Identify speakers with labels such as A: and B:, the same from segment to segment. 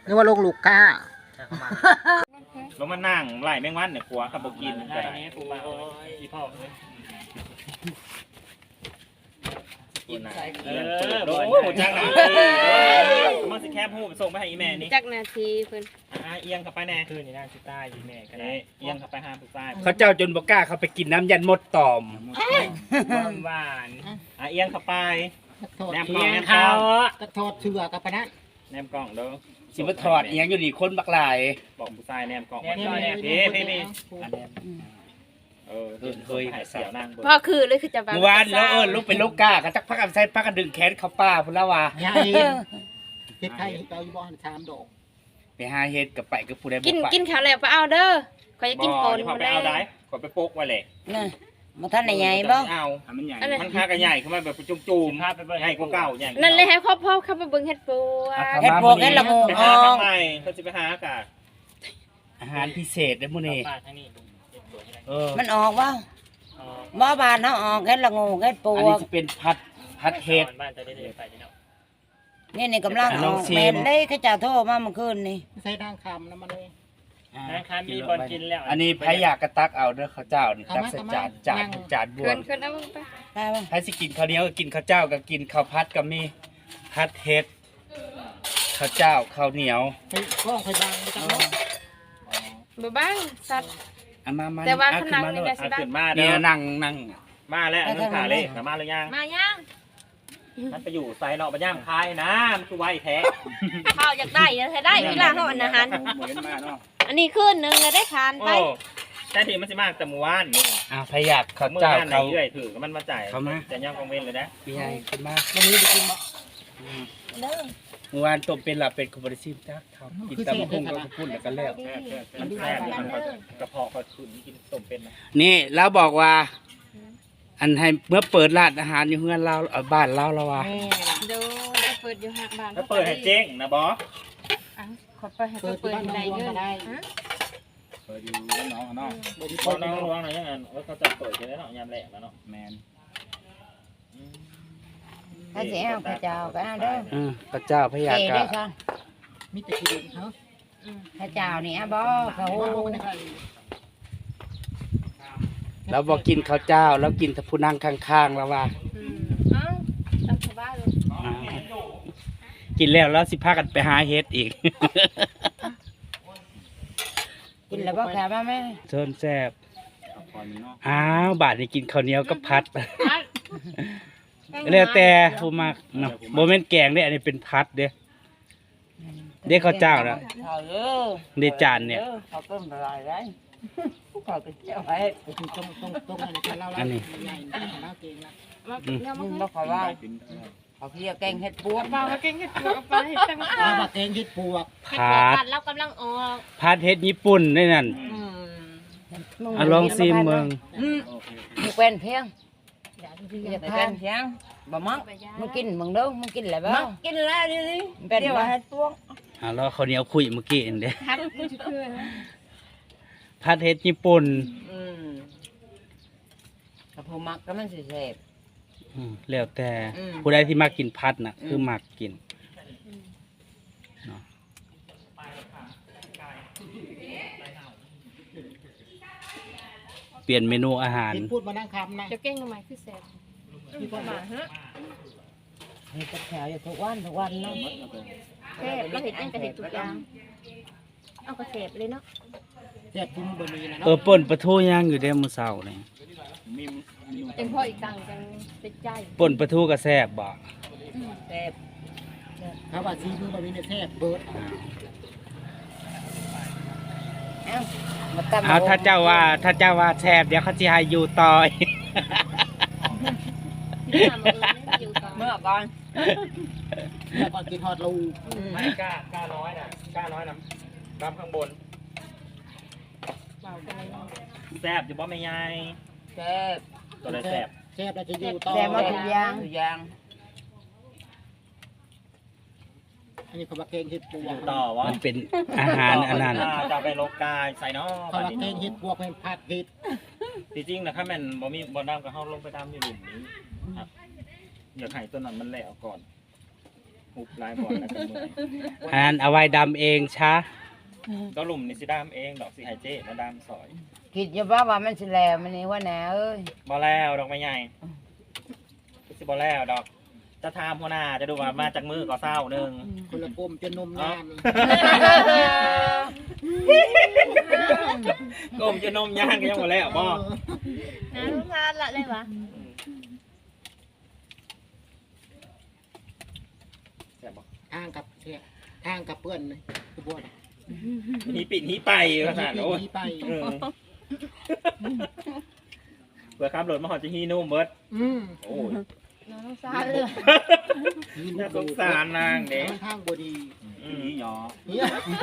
A: นึกว่าลงลูกก้า
B: แล้วมานั่งไล่แมงวันเนี่ยกลัวขับกินก็ได้
C: กูมาโอ้ยอีพ่อกินใส่โอ้โหจังหนามันสิแคบหูส่งไปให้อีแม่นี่
D: จักนาทีเพิ่น
B: เอียงเข้าไปแน่
C: คืนนี่น่าสิใต้อีแม่ก็ได้
B: เอียงเข้าไปหาผู้ชาย
E: เขาเจ้าจนบ่กล้าเขาไปกินน้ำยันมดตอม
C: หวาน
B: เอียงเข้าไป
A: โทษ
B: แนมก
C: เพี
B: ล้อง
C: ยง
B: แนมก
C: เขา
B: ล้อง
A: กระโทษเชื่อกับปะนั้น
B: แนมกล้องเด้อ
E: สิมาถอดอีหยังอยู่นี่คนบักหลาย
B: บอกผู้ชายแนมกล้อง
A: นี่
B: พี่เฮ้ยเสียวนั่ง
D: พ่อคือเลยคือจะ
E: เมื่อวานแล้วลูกเป็นลูกกล้าก็จักพักกันใส่พักกันดึงแขนเขาป้าพุ่นแล้วว่า
A: ยาเเฮ็ดไทยเอาอยู่บ่อน3ดอก
E: ไปหาเฮ็ดกับไปกับผู้ใดบ่
D: กิน
E: ไป
D: กินข้าวแล้วไปเอาเด้อขอยจะกินปน
B: พอไปเอาได้ขอไปโปกไว้เลย
F: น่ะมาท่านใหญ่บ่
B: เอา
E: มันใหญ่
B: มันค่ากันใหญ่ขึ้นมาแบบจุ่มๆใหญ่กว่าเก่าใหญ่
D: นั่นเลยให้พ่อเข้าไปเบิ่งเฮ็ดปัว
F: เฮ็ดพวกเฮ็ดละงู
B: ไป
F: อ
B: หา
F: อ
B: ทาง งไหนเขาจะไปหาอากาศ
E: อาหารพิเศษเด้อมื้อนี้
C: ป้าทั้งนี้
F: มันออกบ่บ่บานเฮาออกเฮ็ดละงูเฮ็ดป
E: อัน
F: ว
E: นี้
F: ก
E: สิเป็นพัดเฮ็ด
C: บ้านจะได้ไปเนาะ
F: นี่กำลังอ
E: ล
F: อ
E: อง
F: ก
E: ชิม
F: แม่นได้เขาจะโทรมาเมื่อคืนนี่
A: ใส่ด่างคำน้ำมันเลย
C: นะครับมีบอลกินแล้ว
E: อันนี้ไผอยากกระตักเอาเด้อข้าวเจ้านี่ตักใส่จานบว
D: เพิ่
E: ม
D: นเพิ่นเอาไป
F: ได้บ่
E: ไผสิกินข้าวเหนียวก็กินข้าวเจ้าก็กินข้าวผัดก็มีผัดเฮ็ดข้าวเจ้าข้าวเหนียว
A: ไปกล้องไปบางไปจังเนาะ
D: บ่บ้างสัตว์
E: เอามา
D: แต่ว่า
E: เอ
D: ข้าง
E: ขึ้
D: หลังนี่
E: โล
D: ได้
E: ด
D: สิ
B: ขึ้นมา
E: เนี่
B: เด้
E: ย
B: อ
E: นั่ง
B: มาแล้วเรื่องขาเลขมาหรือยัง
D: มายัง
B: มันไปอยู่ไซน์เนาะไปย่างพายนะมันคือไวแท้
D: ข้าวอยากได้ใช้ได้เวลาเฮาอันอาหาร
E: เหมือนมาเนาะ
D: อันนี้คืนนึงแล้วได้ทานไป
B: โอ้แต่ทีมันสิมากแต่เมื่อวานนี่
E: พยากข้าว
B: เมื่อ
E: เจ้าว
B: านไหน
E: เขา
B: เรื่อยถือมันมาจ่าย
E: เขามา
B: จะย่างกองเว้นเลยนะ
E: พี่ใหญ่ขึ้นมา
A: วันนี้ไปกินบ่
D: เด้อ
E: เมื่อวานต้มเป็นหลับเป็นคอมบริซิมจ้าครับกินตำพุ่งกับพุ่นแล้วก็แล้ว
B: มันแซ่บมันกระเพาะก็ขุนกินต้มเป็นนะ
E: นี่แล้วบอกว่า อันให้เมื่อเปิดร้านอาหารอยู่เฮือนเราบ้านเราแล้วว่า
D: เด้อเปิดอยู่ห้างบ้าน
B: ถ้าเปิดให้เจ๊งนะบอส
D: ขอเปิดให้เปิดอยู่ไหนเด้อ
B: เปิดอยู่น้องน้อง
A: บ่มี
B: น้
A: ค
B: อง
A: น
B: น้องร้องหน่อยยังไงเขาจะเปิดกันแล้วเนาะยามแรกแล้วเนาะ
E: แมน
F: ถ้าสิเอาข้าวเจ้าก็เอาเด้อ
E: ข้าวเจ้าพยา
F: เก๋
E: กะ
F: ได้ซั่น
A: มีแต่กินเฮา
F: ข้าวเจ้านี่บ่เขา
E: แล้วบอกกินข้าวเจ้า แล้วกินแต่ผู้นั่งข้างๆแล้วว่า
D: เอ้าตามสบายเลย
E: กินแล้วสิพากันไปหาเฮ็ดอีก
F: กินแล้วบ่แค่มาแม่
E: เชิญแซ่บอ้าวบาดนี้กินข้าวเหนียวกับพัดแล้วแต่ผู้มักเนาะบ่แม่นแกงเด้อันนี้เป็นพัดเด้เด้ข้าวเจ้าน่ะ
F: ข้าวเด้อ
E: เด้จานเนี่ย
F: ข้าวต้มละลายได้ข้าวก็เจ้าไว้
A: ไปกินตรงอันนี้เราใหญ่เราเก่งละ
F: มึงบ่ขอว่าเขาเรียกแกงเห็ดปวก
D: บ่มาเก่งเฮ็ดปัวไปตั้ง
A: เรามาเก่งเฮ็ดปวก
E: พัด
D: เรากำลังออก
E: พัดเฮ็ดญี่ปุ่นได้นั่นอ่ะลองซิมเมือง
F: มึงเป็นเพียงอยากเป็นเพียงบ่มักมึงกินมึงเด้อมึงกินแล้วบ่กินแล้วดิเป็นบ่เห็ดปวก
E: รอข้าวเหนียวคุยเมื่อกี้เองเด้
D: ทัดกูจะคือ
E: พัดเฮ็ดญี่ปุ่น
F: ถ้าผู้มักก็มันสิแซ่บ
E: แล้วแต่
F: อืม
E: ผู้ใดที่มักกินพัดน่ะ คือมักกินเนาะเปลี่ยนเมนูอาหาร
A: กินพูดมานั่งคำนะ
D: จะเก่งทำไมคือแซ่บ
A: มีคนมา
D: ฮะ
F: เฮ็ดกับแถวอยู่ทุกวันเนาะ
D: แซ่บเราเห็ดยังก็เห็ดทุกอย่างเอากระแซ่บเลยเนาะ
A: แซ่บกินบะหมี่นะ
E: เออป่นปลาทูย่างอยู่เด้มื้อเช้านี่
D: จังพ่ออีกตังจังติดใจ
E: ป่นปลาทูก็แซ่บบ่
F: แซ่บ
A: เขาว่าซีมือบะหมี่เนี่ยแซ่บเบิด
F: เอ้ามาตำ
E: เอาถ้าเจ้าว่าแซ่บเดี๋ยวเขาสิให้อยู่ต่อย
D: ที่ทำมาอยู่ต่อ
F: เมื่อก่อน
A: แล้วก่อนกินฮอดลู
B: ไม่กล้าน้อยนะกล้าน้อยนะดำข้างบน
D: เบากันเลย
B: แซ่บอยู่บ่แม่ยาย
F: แซ่บ
B: ตัวเลยแซ่บ
A: แซ่บเราจะอยู่ต่อ
F: แซ่บมาทุกอย่าง
A: อันนี้เขาว่าเก่งเฮ็ดปว
B: อก ยู่ต่อวะ
E: มันเป็นอาหารอันนั้น
B: จะไปลกกายใส่นอ
A: เขาว่าเก่งเฮ็ดปวกเป็นผัดเฮ็ด
B: จริงๆนะถ้าแม่นบ่มีบ่ดำก็เฮาลงไปดำอยู่หลุมนี้ครับอยากให้ตัวนั้นมันแหลวก่อน
C: หุบลายบ่อนแล้วกันมือ
E: อันนั้นเอาไว้ดำเองช้า
C: ก็หลุมนี่สิดามเองดอกสิไฮเจมาดามสอย
F: คิดอยู่ว่ามันสิแล้วมันนี่ว่าแหน่เอ้ย
C: บ่แล้วดอกไม้ใหญ่สิบ่แล้วดอกจะทามหัวหน้าจะดูว่ามาจากมือก็เศร้าหนึ่ง
A: คนละกลมจะนมนาน
C: ก้มจะนมย่างก็ยังบ่แล้วบ่
D: น้ำทานละเลยวะ
C: แซ่บบ่
A: ทางกับเสียทางกับเพื่อนเลยคือบ่ได้
C: หีปิดหีไปขนาดโอ้ย
A: ไป
C: เออเผื่อขับรถมาหอดจะฮีนุ่มเบิดโอ้ย
D: น้ำทานเลย
C: น่าสงสารนางเด็ก
A: ทางบ่ดี
B: นี่หยอ
A: เนี่ย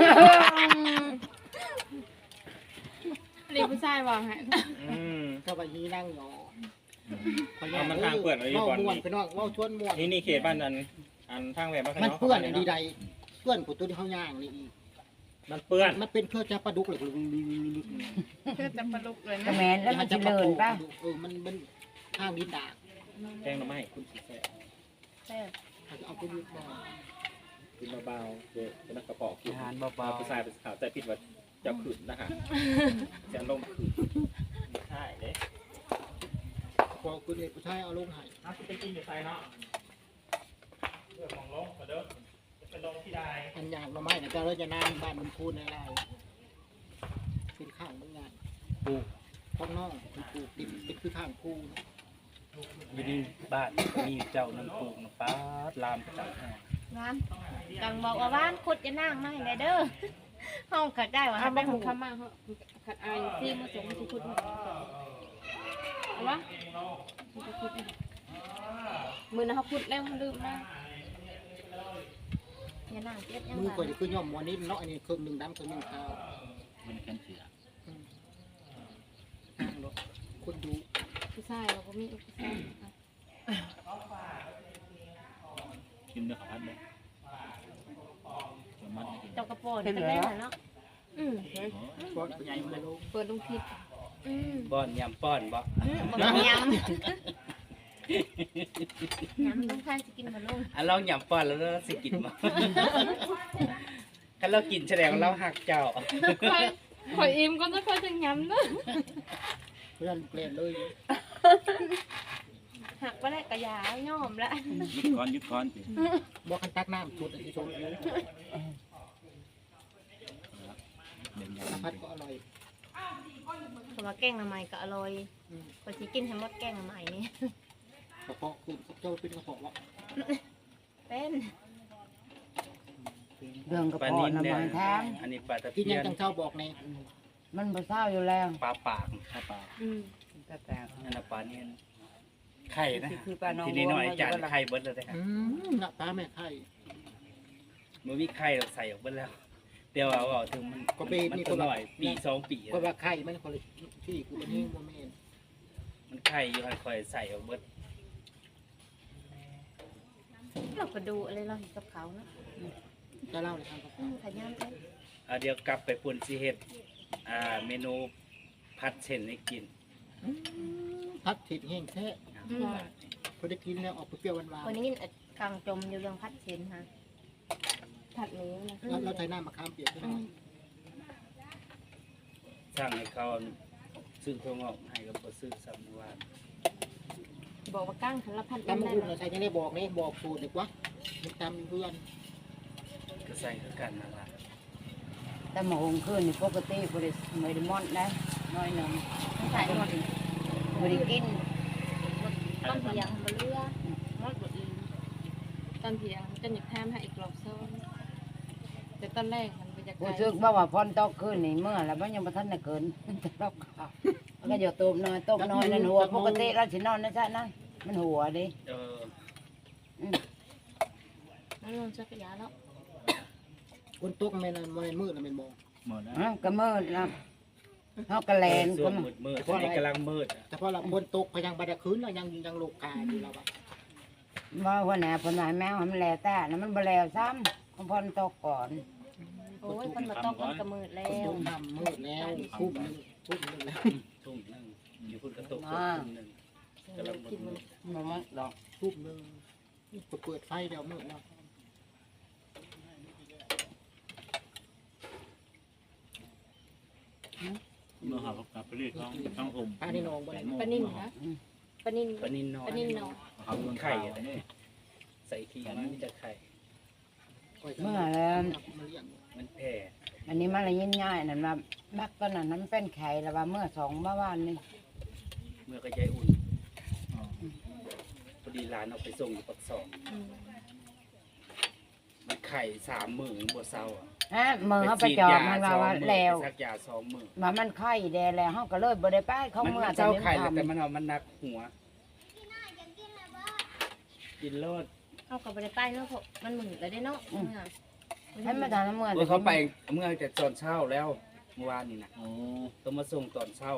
G: นี่ผู้ชายบอกให้
A: ก็ว่ายีนั่งหยอ
C: เอามันทางเปื่อนไว้อยู่ก่อน
A: ม่วน
C: นี่
A: ไปนอกเว้าชวนม่วน
C: นี่เขตบ้านอันทางแหวนบ้าน
A: มันเปื้อนอันดีใดเปื้อนของตัวที่เฮาย่างนี่อีก
C: มันเปื้อน
A: มันเป็นเครื่องจับปลาดุกเลย
G: เพื่อจะประลุกเลย
F: กระ
G: นะ
F: แมนแล้วมันสิเลินป่ะ
A: มันเป็นห้างดินดา
C: แกงหน่อไม้คุณสิแซ่บ
D: แซ่บ
A: เขาจะเอาไปดูบ่
C: กินเบาๆเด็กเป็นกระป๋องกิน
E: อาหาร
C: ปลา
E: เบา
C: ผู้ชายเป็นขาวใจผิดว่าจะขืนนะฮะจะลงขืนใช่เด้
A: พอคุณเอกผู้ชายเอาลงให้
C: เอาที่ไปกินอยู่ไซเนาะเรื่องของลงก็เด้อจะไปลงที่ใด
A: อันยางมาไม้เนี่ยก็เราจะนางบ้านมันคูนในไรเป็นข้างบางงาน
E: ๆปลูก
A: ข้างนอกปลูกติดเป็นคือข้างคู
E: อยู่นี่บ้านมีเจ้านั่งปลูกนะป้าดลามจัง
D: น้ำกังบอกว่าบ้านคุดจะนั่งไม่ไงเด้อห้องขัดได้วะ
G: เอา
D: ทำ
G: ไป
D: ได้
G: ข
D: หู
G: องข้ามาเขาขัดอายที่มาส่งทุกคนเอาวะมือนะเขาพูดแล้วเขาลืมนะ
D: อย่านั่งเจ็บยัง
A: มือ
D: ไง
A: ก่อนจะคือย่อมวันนี้เนาะอันนี้เครื่องหนึ่งดำเครื่องหนึ่งขาว
B: มันกันเสือ
A: ข้างรถคนดู
G: ผู้ชายเราก็มีผู้ชาย
B: กินด้วยข้าวผัดเลยมัน
D: เจ้ากระโปรงเป็นได้เหรอเนาะ
A: เพราะใหญ่มาลง
G: เปิดลงพิษ
E: ป้อนยำป้อนบ่
D: บอกยำยำต้องทานจะกินมาลุง
E: อันลองยำป้อนแล้วเราสิกินบ่ถ้าเรากินแสดงว่าเราหักเจ้า
G: ขอยอิ่มก็จะค่อยจะย้ำนะ
A: เพื่อนเปลี่ยนเลย
D: หักไปแล้วกระยาย่อมละ
B: ยุดก้อนสิ
A: บอกกันตักน้ำสุดอันที่ชมอยู่
B: เด่น
A: สารพัดก็อร่อย
D: ผมว่าแกงหน่อไม้ก็อร่อยพอสิกินทั้งหมดแกงหน่อไม้นี่
A: กระเพาะคือเจ้าเป็นกระเพาะวะ
D: เป็น
F: เรื่องกระ
E: ปลา
F: เพาะ
E: นิ่น
F: น้ำ
E: เนี่ย
F: มันแทง
E: อันนี้ปลาตะ
A: ที่
E: เพี
A: ยั
E: ย
A: ง
E: น
A: จังเจ้าบอกใน
F: มันบ่เศร้าอยู่แล้ว
E: ปลาปากปลาปาก
F: แต่แต่
E: อันนั้นปลาเนียนไข่นะ
F: คือปลาน้อง
E: ทีนี้หน่อยจานไข่เบิดเลยนะ
A: หน้าตาแม่ไข่
E: มันมีไข่เราใส่ออกเบิดแล้วเดี๋ยวเอาถึงมัน
A: ก็ไป
E: มัน
A: นี่
E: ตั
A: ก็
E: ว
A: แบ
E: ห
A: บ
E: น่อยปี2 ปี
A: ก็ว่าไข่มันคนละที่กูเป็นนี่โมเมน
E: มันไข่อยู่ให้คอยใส่ออกเบิด
D: เราก็ดูอะไรเราเห็นกับเขาเนาะ
A: จะเล่าเลยครับ
D: ขยันเลย
E: เดี๋ยวกลับไปปุ่นสิเฮ็ดเมนูผัดเส้นให้กิน
A: พัดถิดแห้งแท้พอได้กินแล้วออกเปรี้ยวหวาน
D: วันนี้กลางจมอยู่เรื่องพัดเชนฮะ
G: ผัดหมูนะ
A: ๆแล้วเราใช้น้ำมะขามเปียกด้วย
E: สั่งให้เขาซื้อถั่วงอกให้ก็บ่ซื้อซ้ำว่า
G: บอกว่าก้างขันละพัน
A: ตำมะฮุ่งเราใช้ยังได้บอกนี่บอกสูตรเด็กวะมันตำเพื่อน
E: ก็ใส่คือกันนั่นล่ะ
F: แต่หมหงขึ้นนี่ปกติบ่ได้ไม่ได้มอนนะน้อยหนึง
D: ใส่หมด
F: บ่ได้กิน
D: ต้นเพียงมาเลือมดบดอี
G: ตอนเพียงจะหยิบแทมให้อีกรอบซ้อนแต่ตอนแรกมันบรรยากา
F: ผู้
G: ศ
F: ซึกบ่ว่าพรตกขึ้นนี่เมื่อแล้วมันยังบ่ทันได้เกินจะรอบข้าวมันก็อย่าตบน้อยนั่นหัวปกติเราสินอนนะจ๊ะนั่นมันหัวดิ
D: นั่นลงจักรยานแล้ว
A: คนตกมันมืดแล้วมันบอก
B: หมดแล้ว
F: ก็มืดนะเฮาก็แลน
E: ส่
F: ก็
E: วน
F: มา
E: มืดๆอันนี้กำลังมืด
A: แต่พอเราคนตกพยังบัดคืนเรายังโลกาอยู่แล้วอะ
F: ว่าหัวหน้าเพิ่นว่าแมวมันแลแต่นะมันบ่แลซ้ำของพรตกก่อน
D: โอ้ยคนมาตกมันกระมืดแล้
A: คน
D: ว
A: ตกน้ำมืดแล้วทุ่มหนึ่งแล้ว
E: ทุ่มหนึงอยู่พุ่นกระตกทุ่มหนึงกำลังมืด
F: บ่มันดอก
A: ทุ่มหนึ่งเปิดไฟเดี๋ยวมืดแล้ว
B: เมื่อหากับไปเรียกต้องอม
A: ปลาในหนองบ่ได้
G: ปลานิ่มนะปลานิ่ม
E: ปลานินน้อย
G: ปลานิ่มเนาะ
B: เอาเงิน
E: ไข่
B: ไข่
E: อะไรใส่ขี้มันมีแต่ไข่
F: เมื่อแล้ว
A: มาเลี้ยง
E: มันแผ่
F: อันนี้มันละยินง่ายนั่นว่าบักก็นั่นน้ำเป็นไข่แล้วว่าเมื่อ2เมื่อวานนี่
E: เมื่อก็ใจอุ่นพอดีร้านเอาไปส่งอยู่ปักซองมันไข่3 มื้อบ่เซาอ่ะ
F: ฮะมือเขาไปจอดมันว่าแล้ว
E: สักยา2 มื้อ
F: ว่ามันไข่แดงแล้วเฮาก็เลยบ่ได้ไปเขา
E: มัน
F: เมื่อ
E: เจ้าไข่
F: ทำ
E: แต่มันเอามันนักหัวกินโลด
D: เอากลับไปได้ใต้เนาะเพราะมันหมุนแล้วได้เนาะ
F: ให้มาทานน้ำเมื่อ
E: โอ้ยเขาไปเมื่อแต่ตอนเช้าแล้วเมื่อวานนี่นะ
B: โอ้
E: ต้องมาส่งตอนเช้า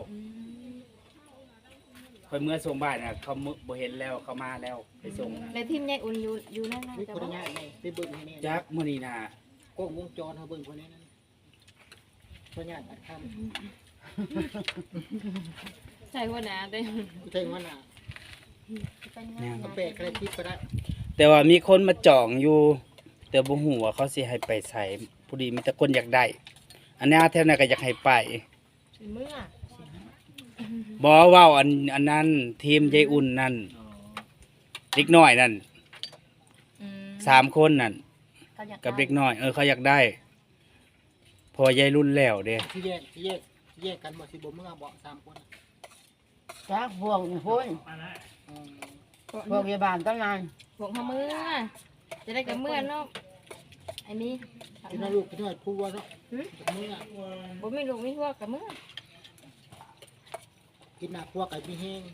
E: คอยเมื่อส่งบ่ายน่ะเขาบ่เห็นแล้วเขามาแล้วไปส่งนะ
G: แล้วทีมยายอุ่นอยู่นั่นนะ
A: มี
G: จะ
A: คน
G: บอก
A: ง่ายไงไปเบิ่งให้แน่
E: จักมื้อนี้น่ะ
A: กล้องวงจรเขาเบิ่งคนนี้นั่นคนง่ายอัดค
G: ใส่หัวหนาเด้
A: ำกูเท่งว่าน่ะก็แปะใครคิดก็ได้
E: แต่ว่ามีคนมาจองอยู่ แต่บ่ฮู้ว่าเขาสิให้ไปใส่ผู้ดีมีแต่คนอยากได้ อันนี้แถวนั้นก็อยากให้ไป
D: เมื่อ
E: บ่เว้าอันนั้นทีมยายอุ่นนั่นเด็กน้อยนั่น3 คนนั่นกับเด็กน้อยเขาอยากได้พอยายรุ่นแล้วเด้
A: ที่แยกกันบ่สิบ่เมื่อบ่3 คน
F: จักพวกนี่พุ่นพวกพยาบาลตั้งนาน
G: พวกเขาเมื่อจะได้กับเมื่อเนาะอันนี้
A: กินน้าลูกกินน้าพูดว่าเนาะเมื่อ
G: ผมไม่รู้ไม่พวกกับเมื่อ
A: กินหน้าพวกไก่มีแห้ง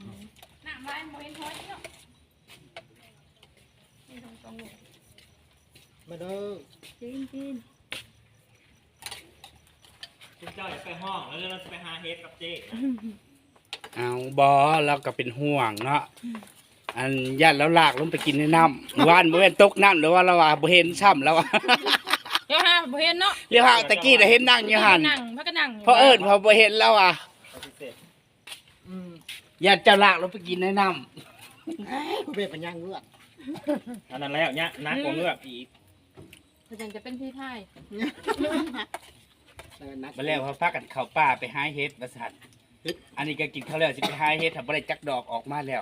A: มาเด้อ
G: จีน
C: คุณเจ้าอยากไปห้องแล้วเราจะไปหาเฮดกับเจ๊
E: เอาบ่เราก็เป็นห่วงเนาะอันญาติแล้วลากลงไปกินในน้ำว่านบ่แม่นตกน้ำหรือว่าเราว่าบ่เห็นช่ำแล้วว่า
G: เดี๋ยวฮะบ่เห็นเนาะ
E: เรียกว่าตะกี้น่ะเห็นนั่งอยู่หั่น
G: นั่งพักก็นั่ง
E: เพราะเอิ้นเขาบ่เห็นแล้วอ่ะ
C: พิเศษ
E: ญาติเจ้าลากลงไปกินในน้ำ
A: ผู้เป็นปัญญาเงือก
C: อันนั้นแล้วเนี่ยนักกว่าเงือกอีก
G: เขาจะเป็นพี่ไพ่
E: มาแล้วเขาพากันเข้าป่าไปหาเฮ็ดว่าซั่นอันนี้ก็กินข้าวแล้วสิไปหาเฮ็ดถ้าบ่ได้จักดอกออกมาแล้ว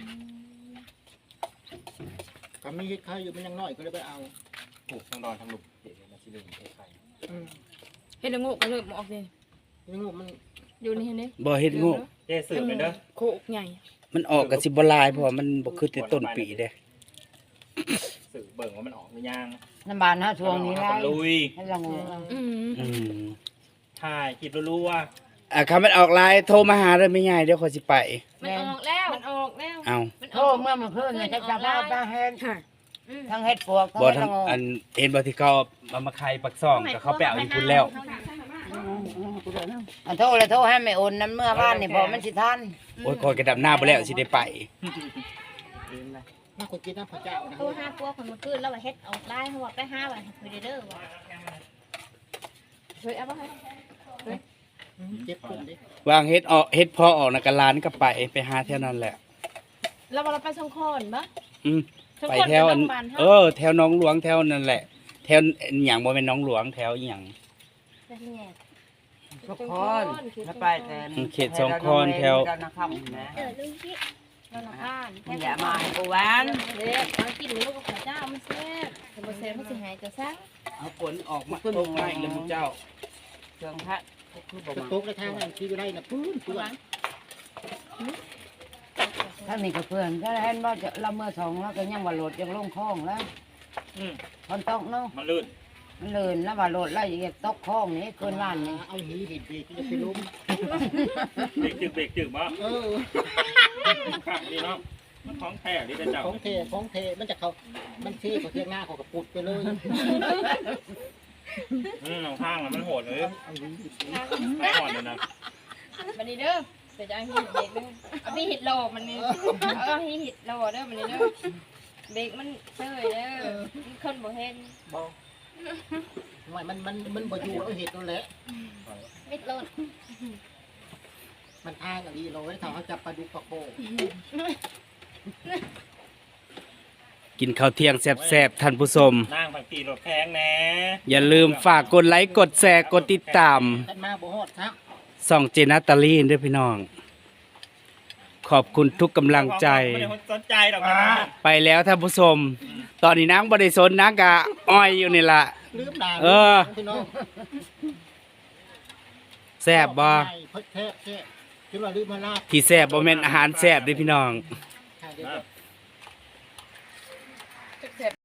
A: ก็ไม่เฮ็ดข้าวอยู่มันยังน้อยก็เลยไปเอา
C: ปลูกทั้งดอนทั้งลูกเดี๋ยวมาชิลืมไข่
G: เห็นงูก็เลยออกเลย
A: ยังงูมัน
G: อยู่นี่เห็นไหม
E: บ่เฮ็ดงู
C: เจ๊สืบเลยเด้อ
G: โคกใหญ่
E: มันออกก็สิบ่หลายเพราะว่ามันบ่คือแต่ต้นปีเด้
C: สืบเบิ่งว่ามันออกหรือยัง
F: น้ำบานเฮาช่วงนี้ไร
C: ลุย
F: ให้ละงู
G: อืม
E: อืม
C: ถ่ายคลิปรู้ว่า
E: คำมันออกหลายโทรมาหาได้ไม่ง่ายเดี๋ยวขอยสิไป
G: มันออกแล้วมันออกแล้ว
E: เอา
F: โทษเมื่อมันขึ้นเนี่ยจะจับได้ตาเฮ็ดทั้งเฮ็ดปวกทั้ง
E: บ่
F: เฮ็ด
E: ทั้
F: ละ
E: ง
F: งู
E: อันเห็นบ่ที่เขาเอามาไข่ปักซ่องก็เขาไปเอาอยู่พุ่นแล้ว
F: โทษเลยโทษให้ไม่โอนน้ำเมื่อบ้านนี่พอมันสิทัน
E: โอ้ยคอยกระดับหน้าบ่แล้วสิได้ไป
A: น่าคนกินน้ำพระเจ้านะ
D: ตัวห้าตัวคนมาขึ้นแล้วว่าเฮ็ดออกได้เขาว่าไปห้าวันคุยเด้อว่า
G: เฮ้ยเอาไปให้
A: เจ็บคนดิ
E: วางเฮ็ดออกเฮ็ดพอออกน่ะก็ร้านก็ไปหาแถวนั้นแหละ
G: เราไปสองคนปะ
E: อืม
G: สอง
E: ไป
G: คน
E: แถวอัน
G: บ้านเฮา
E: แถวหน้องหลวงแถวนั่นแหละ แถวหยังบ่แม่นหน้องหลวงแถวอีหยัง
D: จะแง่
F: ทุกคนแล้วไปแต่
E: เขตสองคอนแถว
F: นะครับนะ
D: ลุงพี่เราละบ้าน
F: อย่ามากูหวาน
D: เด็กมากินลูกกับเจ้ามันแซ่บแต่บ่แซ่บมันสิหายจะซัก
E: เอาฝนออกมาตกมาอีกแล้วมึงเจ้า
F: เครื่องพัดคือบ่
A: กระ
F: มา
A: ตุกในทางนั้นที่อยู่ได้นะปื้นปื้น
F: ถ้ามีกับเพื่อนก็เห็นว่าเราเมื่อสองแล้วก็ยังว่าโหลดยังลงคลองแล้ว
C: อืม
F: คนตกเนาะ
C: มันลื่น
F: มันเลินแล้วว่าโหลดแล้วอย่างเงี้ยตกคลองนี่เกินล้านนี่
A: เอาหีดิบดีจะไปล้ม
C: เบรกจึกบ่ ขับดีเนาะมันท้องแท้ดิเจ้า
A: ของเทมันจะเขามันเทเขาเทียงหน้าเขากระปุดไปเลย
C: ข้างมันโหดเลย
A: เอาหีดิบดี
C: ไม่อ่อนเลยนะ
G: บันนี้เด้อเดี๋ยวจะให้เบรกเด้อเอาพี่หิดโลมันนี่เอาให้หิดโลเด้อบันนี้เด้อเบรกมันเซ่ยเด้อคนบ่เห็น
A: บอกไม่มันบ่อยู่เอาเห็ดนั่นแหละ
D: มิดโลด
A: มันทางอะไรเราไว้ทำเขาจับปลาดุกปลาโค
E: กินข้าวเที่ยงแซ่บๆท่านผู้ชม
C: นั่งบางทีรถแพงแน่
E: อย่าลืมฝากกดไลค์กดแชร์กดติดตาม
A: ท่านมาบ่ฮอดครับ
E: ส่องเจนาตาลีนด้วยพี่น้อง ขอบคุณทุกกำลังใจ
B: ไม่ได้สนใจหรอกนะ
E: ไปแล้วท่านผู้ชม ตอนนี้นางบริสนนางกะอ้อยอยู่นี่ล่ะ
A: ลืมด่า
E: เออ
A: พี่น้อง
E: แซ่บบ่
A: เพิ่นแท้คิดว่าลืมมาลาบ
E: ที่แซ่บบ่แม่นอาหารแซ่บเด้อพี่น้อง
A: เ